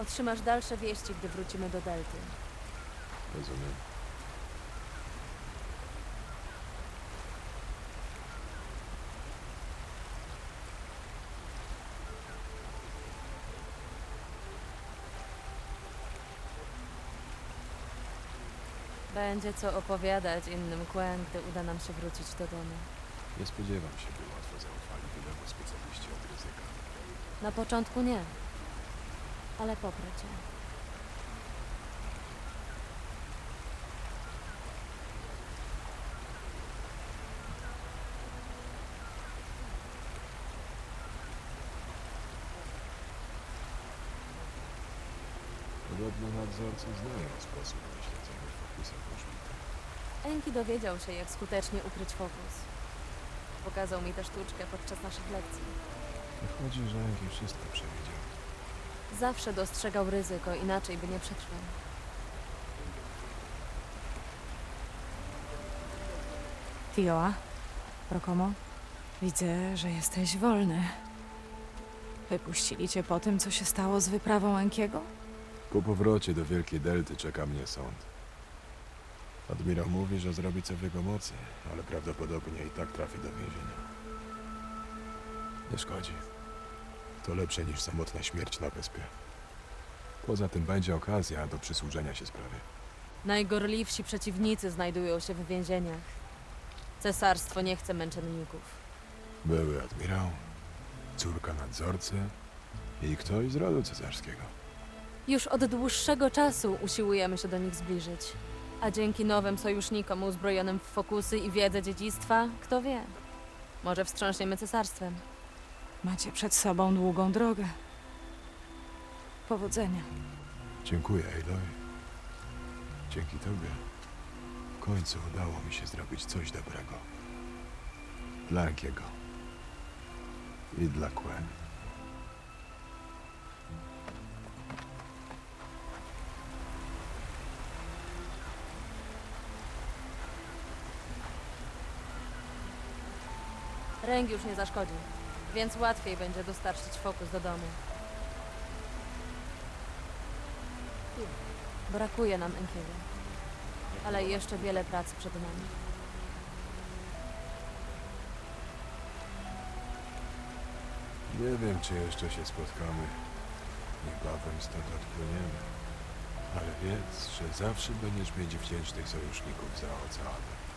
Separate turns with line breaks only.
Otrzymasz dalsze wieści, gdy wrócimy do Delty.
Rozumiem.
Będzie co opowiadać innym Quen, gdy uda nam się wrócić do domu.
Nie spodziewam się, by łatwo zaufali tylemu specjaliści od ryzyka.
Na początku nie, ale poprę cię.
Podobno nadzorcy znają sposób na śledzenie fokusa Włożbita.
Enki dowiedział się, jak skutecznie ukryć fokus. Pokazał mi tę sztuczkę podczas naszych lekcji.
Wychodzi, że Enki wszystko przewidział.
Zawsze dostrzegał ryzyko, inaczej by nie przetrwał.
Tioa, Rokomo, widzę, że jesteś wolny. Wypuścili cię po tym, co się stało z wyprawą Enkiego?
Po powrocie do Wielkiej Delty czeka mnie sąd. Admirał mówi, że zrobi co w jego mocy, ale prawdopodobnie i tak trafi do więzienia. Nie szkodzi. To lepsze niż samotna śmierć na wyspie. Poza tym będzie okazja do przysłużenia się sprawie.
Najgorliwsi przeciwnicy znajdują się w więzieniach. Cesarstwo nie chce męczenników.
Były admirał, córka nadzorcy i ktoś z rodu cesarskiego.
Już od dłuższego czasu usiłujemy się do nich zbliżyć. A dzięki nowym sojusznikom uzbrojonym w fokusy i wiedzę dziedzictwa, kto wie, może wstrząśniemy cesarstwem.
Macie przed sobą długą drogę. Powodzenia.
Dziękuję, Aloy. Dzięki tobie w końcu udało mi się zrobić coś dobrego. Dla Enkiego. I dla Quen.
Ręk już nie zaszkodzi, więc łatwiej będzie dostarczyć fokus do domu. Brakuje nam Enkiego, ale jeszcze wiele pracy przed nami.
Nie wiem, czy jeszcze się spotkamy. Niebawem stąd odpłyniemy. Ale wiedz, że zawsze będziesz mieć wdzięcznych sojuszników za oceanem.